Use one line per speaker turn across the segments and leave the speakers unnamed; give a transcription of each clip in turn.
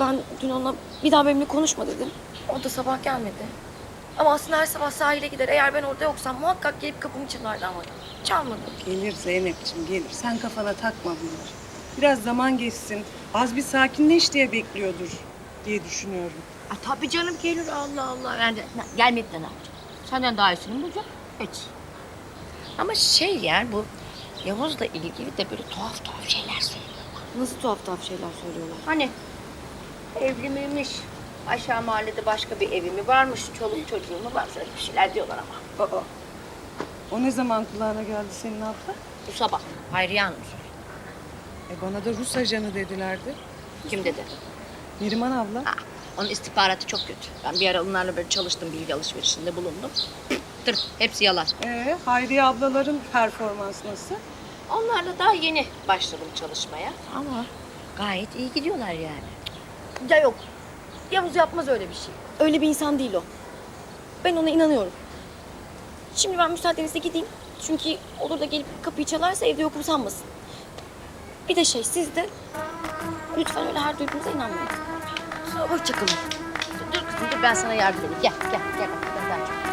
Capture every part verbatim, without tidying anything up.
Ben dün ona bir daha benimle konuşma dedim. O da sabah gelmedi. Ama aslında her sabah sahile gider. Eğer ben orada yoksam muhakkak gelip kapımı çalardı ama çalmadı.
Gelir Zeynep'ciğim gelir. Sen kafana takma bunları. Biraz zaman geçsin. Az bir sakinleş diye bekliyordur diye düşünüyorum.
Aa, tabii canım gelir Allah Allah. Yani de- na- gelmedi de ne yapacak? Senden daha iyisini mi bulacak? Hiç. Ama şey yani bu Yavuz'la ilgili de böyle tuhaf tuhaf şeyler söylüyorlar.
Nasıl tuhaf tuhaf şeyler söylüyorlar.
Hani evli miymiş? Aşağı mahallede başka bir evi mi varmış? Çoluk çocuğu mu var? Öyle bir şeyler diyorlar ama.
Aa, o ne zaman kulağına geldi senin abla?
Bu sabah Hayriye Hanım söyledi.
E bana da Rus ajanı dedilerdi.
Kim dedi?
Neriman abla.
Aa, onun istihbaratı çok kötü. Ben bir ara onlarla böyle çalıştım, bilgi alışverişinde bulundum. Tır, hepsi yalan.
Ee, Hayriye ablaların performans nasıl?
Onlarla daha yeni başladım çalışmaya. Ama gayet iyi gidiyorlar yani.
Ya yok. Yavuz yapmaz öyle bir şey. Öyle bir insan değil o. Ben ona inanıyorum. Şimdi ben müsaadenizle gideyim. Çünkü olur da gelip kapıyı çalarsa evde yokum sanmasın. Bir de şey siz de lütfen öyle her duyduğunuza inanmayın. Hoşçakalın.
Dur kızım dur, ben sana yardım edeyim. Gel gel gel bak ben daha çok.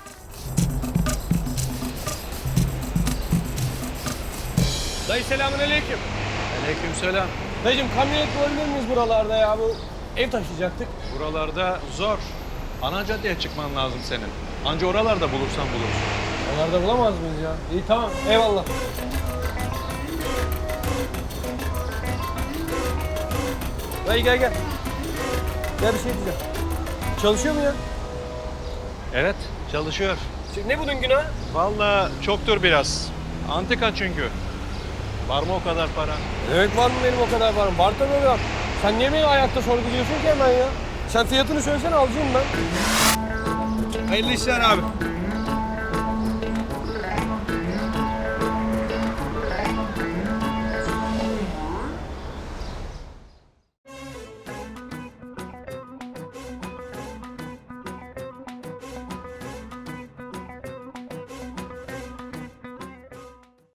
Dayı selamünaleyküm.
Aleykümselam.
Dayıcığım kamyonet bulabilir miyiz buralarda ya? Bu ev taşıyacaktık.
Buralarda zor. Ana caddeye çıkman lazım senin. Anca oralarda bulursan bulursun.
Onlarda bulamaz mıyız ya? İyi tamam eyvallah. Dayı gel gel. Gel bir şey diyeceğim. Çalışıyor mu ya?
Evet, çalışıyor.
Şey, ne bunun günahı?
Vallahi çoktur biraz. Antika çünkü. Var mı o kadar para?
Evet var mı benim o kadar param? Var tabii var. Sen niye beni ayakta sorguluyorsun ki hemen ya? Sen fiyatını söylesene alacağım ben. Hayırlı işler abi.